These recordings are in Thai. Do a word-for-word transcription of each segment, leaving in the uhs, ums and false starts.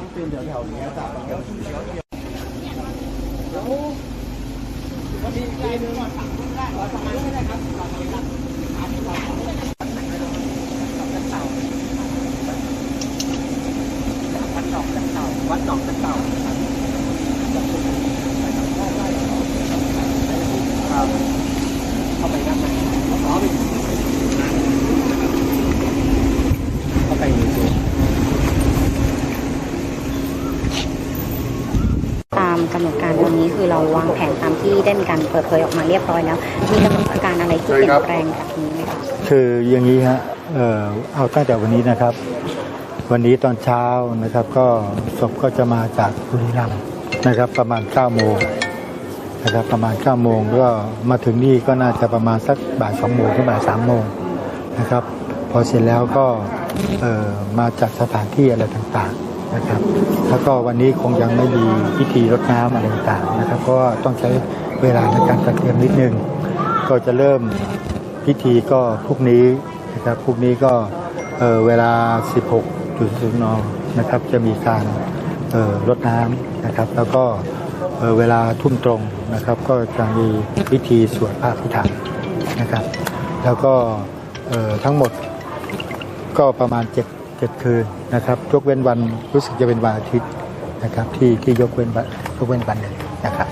ต้องปีนแถวๆนี้ครับเดี๋ยวเดี๋ยวเดี๋ยวเดี๋ยววันนี้ปีนก่อนฝั่งนู้นได้ก่อนฝั่งนู้นไม่ได้ครับฝั่งนี้ครับวัดหนองตะเต่าวัดหนองตะเต่าครับเข้าไปด้านในอ๋อไปเข้าไปดูตามกำหนดการวันนี้คือเราวางแผนตามที่ได้มีการเปิดเผยออกมาเรียบร้อยแล้วมีกำหนดการอะไรที่เปลี่ยนแปลงจากนี้ไหมคะคืออย่างนี้ฮะเอ่อเอาตั้งแต่วันนี้นะครับวันนี้ตอนเช้านะครับก็ศพก็จะมาจากบุรีรัมย์นะครับประมาณเก้าโมงนะครับประมาณเก้าโมงก็มาถึงนี่ก็น่าจะประมาณสักบ่ายสองโมงถึงบ่ายสามโมงนะครับพอเสร็จแล้วก็เอ่อมาจัดสถานที่อะไรต่างๆนะครับแล้วก็วันนี้คงยังไม่มีพิธีรดน้ำอะไรต่างๆนะครับเพราะว่าต้องใช้เวลาในการจัดเตรียมนิดนึงก็จะเริ่มพิธีก็พรุ่งนี้นะครับพรุ่งนี้ก็เอ่อเวลา สิบหกนาฬิกา นนะครับจะมีการเอ่อรดน้ำนะครับแล้วก็เอ่อเวลาทุ่มตรงนะครับก็จะมีพิธีสวดพระอภิธรรมนะครับแล้วก็เอ่อทั้งหมดก็ประมาณเจ็ดเจ็ดคืนนะครับยกเว้นวันรู้สึกจะเป็นวันอาทิตย์นะครับที่ที่ยกเว้นวันยกเว้นวันหนึ่งนะครับ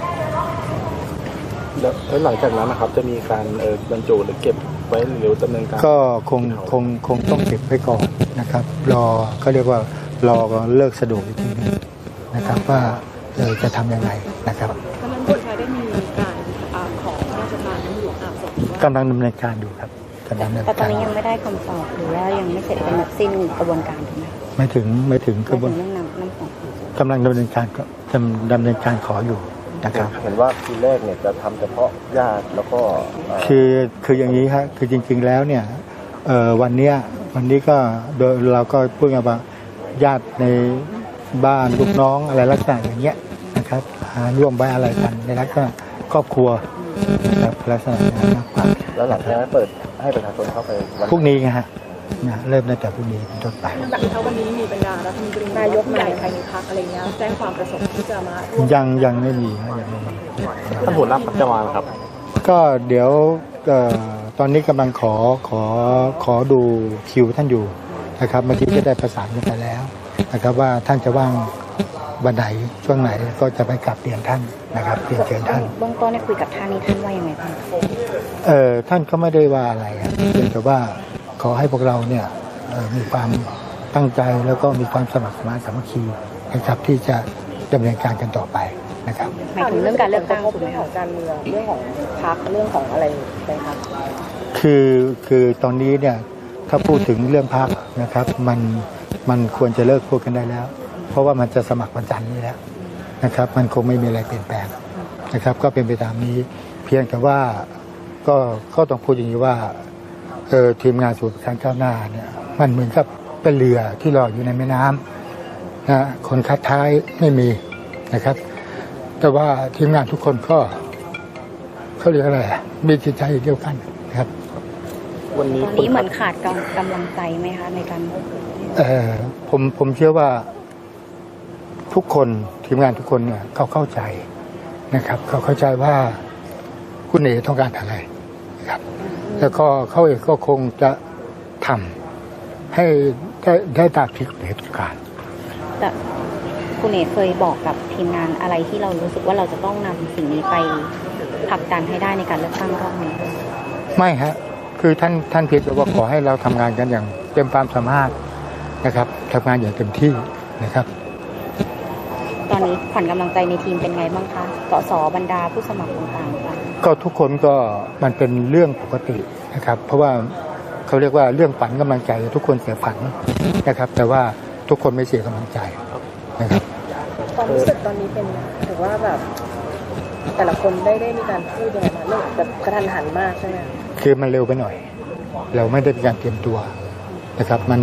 แล้วหลังจากนั้นนะครับจะมีการเอ่อบรรจุหรือเก็บไว้หรือดำเนินการก็คงคงคงต้องเก็บไว้ก่อนนะครับรอเขาเรียกว่ารอเลิกสะดวกอีกทีนึงนะครับว่าเออจะทำยังไงนะครับกำลังคนไทยได้มีการขอพระราชทานน้ำหลวงอาบศพกำลังดำเนินการอยู่ครับแต่ตอนนี้ยังไม่ได้คำตอบหรือว่ายังไม่เสร็จเป็นสิ้นกระบวนการถูกไหมไม่ถึงไม่ถึงกระบวนเรื่องน้ำน้ำของกำลังดำเนินการดำเนินการขออยู่นะครับเห็นว่าทีแรกเนี่ยจะทำเฉพาะญาติแล้วก็คือคืออย่างนี้ครับคือจริงๆแล้วเนี่ยเอ่อวันเนี้ยวันนี้ก็โดยเราก็พูดกันว่าญาติในบ้านลูกน้องอะไรลักษณะอย่างเงี้ยนะครับร่วมไว้อะไรกันในลักษณะครอบครัวนะครับลักษณะนั้นมากกว่าแล้วหลังจากนั้นเปิดให้ประชาชนเข้าไปพรุ่งนี้ไงฮะนะเริ่มตั้งแต่พรุ่งนี้เป็นต้นไปแบบนี้วันนี้มีบรรดารัฐมนตรีนายกใหญ่ภายในพรรคอะไรเงี้ยแจ้งความประสงค์ที่จะมายังยังไม่มียังไม่มีท่านหัวหน้าพรรคจะมาครับก็เดี๋ยวตอนนี้กำลังขอขอขอดูคิวท่านอยู่นะครับเมื่อกี้จะได้ประสานกันไปแล้วนะครับว่าท่านจะว่างวันไหนช่วงไหนก็จะไปกลับเรียนท่านนะครับเรียนเชิญท่านเบื้องต้นได้คุยกับท่านนี้ท่านว่ายังไงบ้างเอ่อท่านก็ไม่ได้ว่าอะไรเพียงแต่ว่าขอให้พวกเราเนี่ยมีความตั้งใจแล้วก็มีความสมัครสมานสามัคคีนะครับที่จะดำเนินการกันต่อไปนะครับหมายถึงเรื่องการเลือกตั้งถูกไหมของการเมืองเรื่องของพรรคเรื่องของอะไรไปครับคือคือตอนนี้เนี่ยถ้าพูดถึงเรื่องพรรคนะครับมันมันควรจะเลิกพูดกันได้แล้วเพราะว่ามันจะสมัครวันจันทร์นี้แล้วนะครับมันคงไม่มีอะไรเปลี่ยนแปลงนะครับก็เป็นไปตามนี้เพียงแต่ว่าก็ก็ต้องพูดอย่างนี้ว่าเออทีมงานสูตรการก้าวหน้าเนี่ยมันเหมือนกับเป็นเรือที่ลอยอยู่ในแม่น้ำนะคนคัดท้ายไม่มีนะครับแต่ว่าทีมงานทุกคนก็เขาเรียกอะไรมีจิตใจเดียวกันนะครับวันนี้วันนี้เหมือนขาดกำลังใจไหมคะในการเออผมผมเชื่อว่าทุกคนทีมงานทุกคนเนี่ยเขาเข้าใจนะครับเขาเข้าใจว่าคุณเอ๋ต้องการอะไรนะครับแล้วก็เขาเองก็คงจะทำให้ได้ได้ตามที่คุณเอ๋ต้องการแต่คุณเอ๋เคยบอกกับทีมงานอะไรที่เรารู้สึกว่าเราจะต้องนำสิ่งนี้ไปผลักดันให้ได้ในการเลือกตั้งรอบนี้ไม่ฮะคือท่านท่านเพียงแต่ว่าขอให้เราทำงานกันอย่างเต็มความสามารถนะครับทำงานอย่างเต็มที่นะครับตอนนี้ขวัญกำลังใจในทีมเป็นไงบ้างคะสสบรรดาผู้สมัครต่างๆก็ทุกคนก็มันเป็นเรื่องปกตินะครับเพราะว่าเขาเรียกว่าเรื่องฝันกำลังใจทุกคนเสียฝันนะครับแต่ว่าทุกคนไม่เสียกำลังใจนะครับความรู้สึกตอนนี้เป็นถือว่าแบบแต่ละคนได้ได้มีการพูดยังไงมาเรื่องแบบกระทันหันมากใช่ไหมคือมันเร็วไปหน่อยเราไม่ได้มีการเตรียมตัวนะครับมัน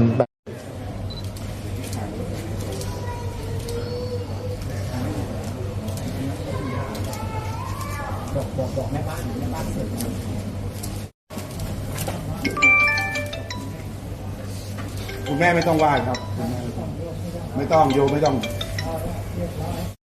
บอกบอกบอกแม่บ้านแม่บ้านเสร็จคุณแม่ไม่ต้องไหว้ครับคุณแม่ไม่ต้องไม่ต้องโยมไม่ต้อง